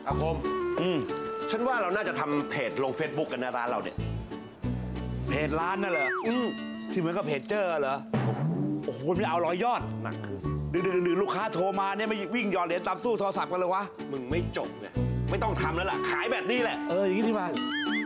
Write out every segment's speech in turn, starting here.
อาคมฉันว่าเราน่าจะทำเพจลง Facebook กันนะร้านเราเนี่ยเพจร้านน่ะเหรอที่เหมือนกับเพจเจอเหรอโอ้โหไม่เอา100 ยอดหนักคือดึกลูกค้าโทรมาเนี่ยไม่วิ่งหยอดเหรียญตามตู้โทรศัพท์กันเลยวะมึงไม่จบไงไม่ต้องทำแล้วล่ะขายแบบนี้แหละอย่างนี้ที่มา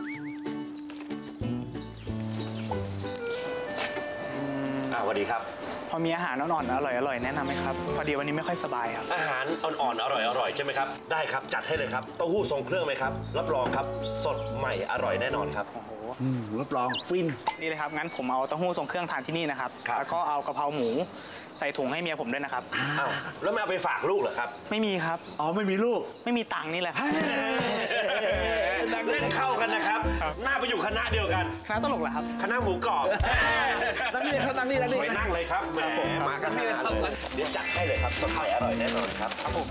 สวัสดีครับพอมีอาหารอ่อนๆอร่อยๆแนะนำไหมครับพอดีวันนี้ไม่ค่อยสบายครับอาหารอ่อนๆอร่อยๆใช่ไหมครับได้ครับจัดให้เลยครับเต้าหู้ทรงเครื่องไหมครับรับรองครับสดใหม่อร่อยแน่นอนครับโอ้โหรับรองฟินนี่เลยครับงั้นผมเอาเต้าหู้ทรงเครื่องทานที่นี่นะครับแล้วก็เอากะเพราหมูใส่ถุงให้เมียผมด้วยนะครับอ้าวแล้วไม่เอาไปฝากลูกเหรอครับไม่มีครับไม่มีลูกไม่มีตังค์นี่แหละเล่นเข้ากันนะครับหน้าไปอยู่คณะเดียวกันคณะตลกเหรอครับคณะหมูกรอบนั่งนี่ครับนั่งนี่ไปนั่งเลยครับแหมมากันนี่เลยเดี๋ยวจัดให้เลยครับสดใหม่อร่อยแน่นอนครับครับผม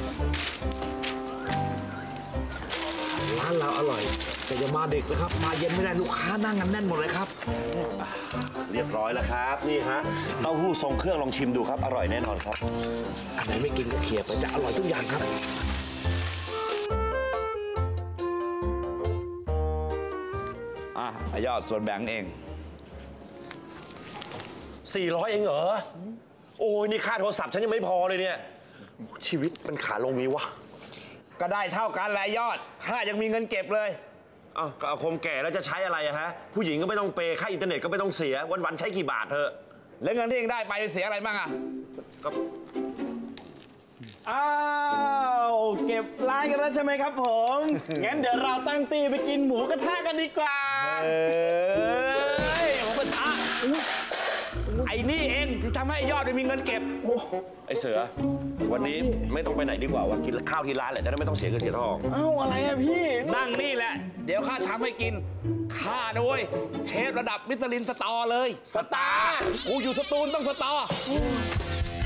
ร้านเราอร่อยแต่อย่ามาเด็กนะครับมาเย็นไม่ได้ลูกค้านั่งกันแน่นหมดเลยครับเรียบร้อยแล้วครับนี่ฮะเต้าหู้ทรงเครื่องลองชิมดูครับอร่อยแน่นอนครับอันไหนไม่กินก็เขี่ยไปจะอร่อยทุกอย่างครับยอดส่วนแบ่งเอง 400เองเหรอโอ้ยนี่ค่าโทรศัพท์ฉันยังไม่พอเลยเนี่ยชีวิตมันขาลงนี้วะก็ได้เท่ากันแหละยอดข้ายังมีเงินเก็บเลยก็อาคมแก่แล้วจะใช้อะไรอะฮะผู้หญิงก็ไม่ต้องเปย์ค่าอินเทอร์เน็ตก็ไม่ต้องเสียวันๆใช้กี่บาทเธอแล้วเงินที่เองได้ไปเสียอะไรบ้างอะก็เก็บร้านกันแล้วใช่ไหมครับผมงั้นเดี๋ยวเราตั้งตีไปกินหมูกระทะกันดีกว่าหมูกระทะไอ้นี่เองที่ทำให้ยอดได้มีเงินเก็บไอ้เสือวันนี้ไม่ต้องไปไหนดีกว่าว่ากินข้าวที่ร้านแหละจะได้ไม่ต้องเสียเงินเสียทองอะไรอะพี่นั่งนี่แหละเดี๋ยวข้าทำให้กินข้าด้วยเชฟระดับมิชลินสตาร์เลยสตาร์กูอยู่สตูลต้องสตาร์